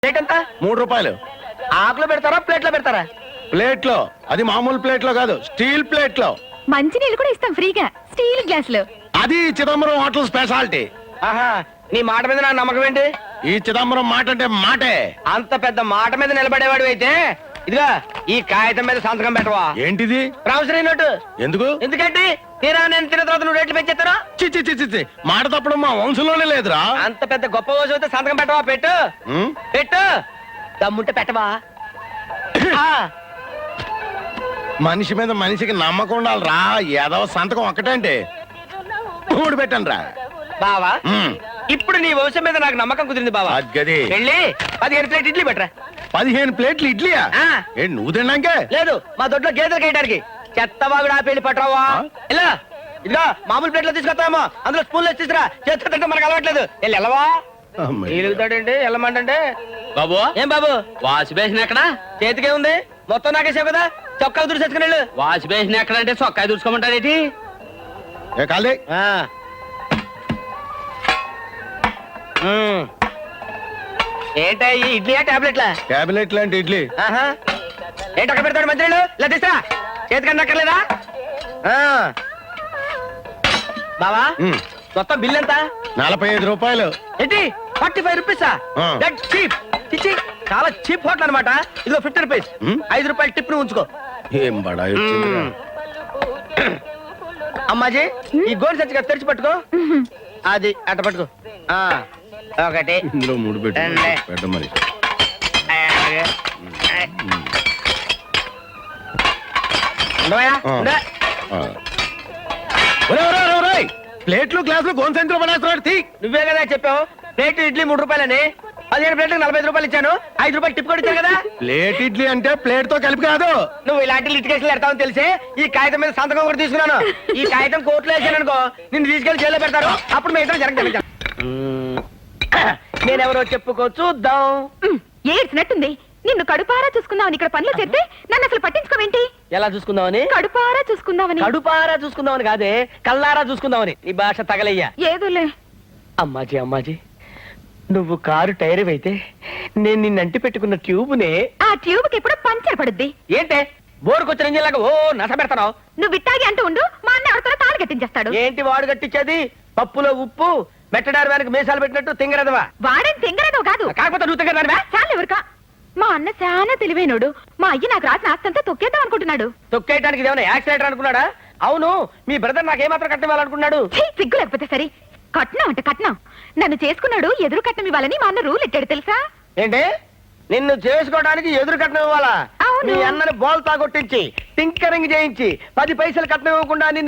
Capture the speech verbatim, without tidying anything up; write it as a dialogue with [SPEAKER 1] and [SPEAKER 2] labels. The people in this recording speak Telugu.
[SPEAKER 1] ప్లేట్ ఎంత?
[SPEAKER 2] మూడు రూపాయలు.
[SPEAKER 1] ఆకులో పెడతారా ప్లేట్ లో పెడతారా?
[SPEAKER 2] ప్లేట్ లో. అది మామూలు ప్లేట్ లో కాదు, స్టీల్ ప్లేట్ లో.
[SPEAKER 3] మంచినీళ్ళు కూడా ఇస్తాం ఫ్రీగా స్టీల్ గ్లాసులు.
[SPEAKER 2] అది చిదంబరం హోటల్ స్పెషాలిటీ.
[SPEAKER 1] ఆహా, నీ మాట మీద నాకు నమ్మకం ఏంటి?
[SPEAKER 2] ఈ చిదంబరం మాట అంటే మాటే.
[SPEAKER 1] అంత పెద్ద మాట మీద నిలబడేవాడు అయితే ఇదిగా ఈ కాగితం మీద సంతకం పెట్టవా?
[SPEAKER 2] ఏంటిది?
[SPEAKER 1] Promissory note.
[SPEAKER 2] ఎందుకు?
[SPEAKER 1] ఎందుకంటే తీరా నేను తిన్న తర్వాత నువ్వు రేట్లు పెంచేస్తాను.
[SPEAKER 2] చిచ్చి చిచ్చి చి మాట తప్పడం మా వంశంలోనే లేదురా.
[SPEAKER 1] అంత పెద్ద గొప్ప రోజు అయితే సంతకం పెట్టవా? పెట్టు
[SPEAKER 2] ఉం?
[SPEAKER 1] పెట్టు. దమ్ముంటే పెట్టవా? ఆ,
[SPEAKER 2] మనిషి మీద మనిషికి నమ్మకం ఉండాలిరా. ఏదో సంతకం ఒక్కటంటే మూడు పెట్టండి రా.
[SPEAKER 1] బావా ఇప్పుడు నీ వంశం మీద నాకు నమ్మకం కుదిరింది బావా.
[SPEAKER 2] గది
[SPEAKER 1] వెళ్ళి పదిహేను ప్లేట్ ఇడ్లీ పెట్టరా.
[SPEAKER 2] పదిహేను ప్లేట్లు ఇడ్లీయా?
[SPEAKER 1] ఆ.
[SPEAKER 2] ఏంటి నువ్వు తిన్నాకే?
[SPEAKER 1] లేదు, మా దొడ్లో గేదెలు కేయడానికి. చెత్త బాగుడు ఆ పెళ్లి పట్టరావా? ఇలా ఇదిగా మామూలు ప్లేట్లో తీసుకొస్తామో అందులో స్పూన్లు వచ్చి తీసుకురా. చేత్తో తింటే మనకు అలవాట్లేదు. వెళ్ళి వెళ్ళవా? ఎలుగుతాడండి వెళ్ళమంటే.
[SPEAKER 4] బాబు
[SPEAKER 1] ఏం బాబు
[SPEAKER 4] వాష్ బేసిన్ ఎక్కడ?
[SPEAKER 1] చేతికే ఉంది మొత్తం నాకేసావు కదా. చొక్కా దురిసేసుకుని వెళ్ళు.
[SPEAKER 4] వాష్ బేసిన్ ఎక్కడ అంటే చొక్కా దూసుకోమంటారేటి?
[SPEAKER 2] ఏ కాలే
[SPEAKER 1] ఏంటా ఈ ఇడ్లీయా టాబ్లెట్లా?
[SPEAKER 2] క్యాబినెట్ లాంటి ఇడ్లీ.
[SPEAKER 1] ఆహా, ఏంటి అక్కడ పెడతాడు మంత్రులు? ఇలా తీసురా. చేతికన్నా అక్కర్లేదా? ఆ. బావా
[SPEAKER 2] ఉం.
[SPEAKER 1] మొత్తం బిల్ ఎంత?
[SPEAKER 2] నలభై ఐదు రూపాయలు.
[SPEAKER 1] ఏంటి ఫార్టీ ఫైవ్ రూపీసా?
[SPEAKER 2] ఆ.
[SPEAKER 1] That cheap. చిచ్చి చాలా చీప్ హోటల్ అనమాట. ఇదిగో ఫిఫ్టీ రూపీస్.
[SPEAKER 2] ఉం?
[SPEAKER 1] ఐదు రూపాయలు టిప్ ను ఉంచుకో.
[SPEAKER 2] ఏం బడాయి వచ్చిందిరా.
[SPEAKER 1] అమ్మాజీ ఈ గోల్ సచ్చిగా తెరిచి పట్టుకో. అది అట్ట పట్టుకో. ఆ ఒకటి
[SPEAKER 2] ఇందులో మూడు పెట్టు.
[SPEAKER 1] రెండే.
[SPEAKER 2] పెట్ట మరి.
[SPEAKER 1] ఉండవయ్యా?
[SPEAKER 2] ఆ.
[SPEAKER 1] ఉండే.
[SPEAKER 2] ఆ. ఒరేయ్, ఒరేయ్, ఒరేయ్, ఒరేయ్! ప్లేట్లు గ్లాసులు గోన్సెంట్లో పడేస్తున్నాడు. తీ.
[SPEAKER 1] నువ్వే కదా చెప్పావు ప్లేట్ ఇడ్లీ మూడు రూపాయలని. పదిహేను ప్లేట్లకు నలభై ఐదు రూపాయలు ఇచ్చాను. ఐదు రూపాయలు టిప్ కూడా ఇచ్చాను కదా.
[SPEAKER 2] ప్లేట్ ఇడ్లీ అంటే ప్లేట్ తో కలిపి కాదు.
[SPEAKER 1] నువ్వు ఇలాంటి లిటికేషన్లు పెడతావని తెలిసి ఈ కాగితం మీద సంతకం కూడా తీసుకున్నాను. ఈ కాగితం కోర్టులో వేసాను అనుకో నిన్ను తీసుకెళ్లి జైల్లో పెడతారు. అప్పుడు మీ ఇద్దరు జరగ జరగ నేనెవరో చెప్పుకో చూద్దాం.
[SPEAKER 3] ఏడ్చినట్టుంది. నిన్ను కడుపారా చూసుకుందామని ఇక్కడ పనులు చేస్తే నన్ను అసలు పట్టించుకోవేంటి?
[SPEAKER 1] ఎలా చూసుకుందామని?
[SPEAKER 3] కడుపారా చూసుకుందామని.
[SPEAKER 1] కడుపారా చూసుకుందామని కాదే, కల్లారా చూసుకుందామని. నీ భాష తగలయ్యా.
[SPEAKER 3] ఏదోలే.
[SPEAKER 1] అమ్మాజీ అమ్మాజీ నువ్వు కారు టైర్ అయితే నేను నిన్ను అంటి పెట్టుకున్న ట్యూబ్నే.
[SPEAKER 3] ఆ ట్యూబ్ కి ఎప్పుడు పంచర్ పడుద్ది.
[SPEAKER 1] ఏంటే బోరుకొచ్చిన ఇంజిన్లాగా ఓ నస పెడతావు?
[SPEAKER 3] నువ్వు ఇట్టాగి అంటూ ఉండు, మా అన్న ఎవరితో తాళి కట్టించేస్తాడు.
[SPEAKER 1] ఏంటి వాడు కట్టించేది? పప్పులో ఉప్పు మెట్టడారు వెనక మీసాలు పెట్టినట్టు తింగరదవా?
[SPEAKER 3] వాడేం తింగరదో కాదు.
[SPEAKER 1] కాకపోతే నువ్వు తింగరదానివా?
[SPEAKER 3] చాలు ఎవరికా. మా అన్న చాలా తెలివైనోడు. మా అయ్య నాకు రాసిన ఆస్తంతా తొక్కేద్దాం అనుకుంటున్నాడు.
[SPEAKER 1] తొక్కేయడానికి ఏమైనా యాక్సిడెంట్ అనుకున్నాడా? అవును, మీ బ్రదర్ నాకేమాత్రం కట్టివ్వాలనుకున్నాడు?
[SPEAKER 3] ఛీ, సిగ్గు లేకపోతే సరే. కట్నం అంటే కట్నం. నన్ను చేసుకున్నాడు ఎదురు కట్నం ఇవ్వాలని మా అన్న రూల్ ఎట్టాడు తెలుసా?
[SPEAKER 1] ఏంటి నిన్ను చేసుకోవడానికి ఎదురు కట్నం ఇవ్వాలా?
[SPEAKER 3] అవును.
[SPEAKER 1] మీ అన్నని బోల్ తాగొట్టించి టింకరింగ్ చేయించి పది పైసలు కట్నం ఇవ్వకుండా నిన్ను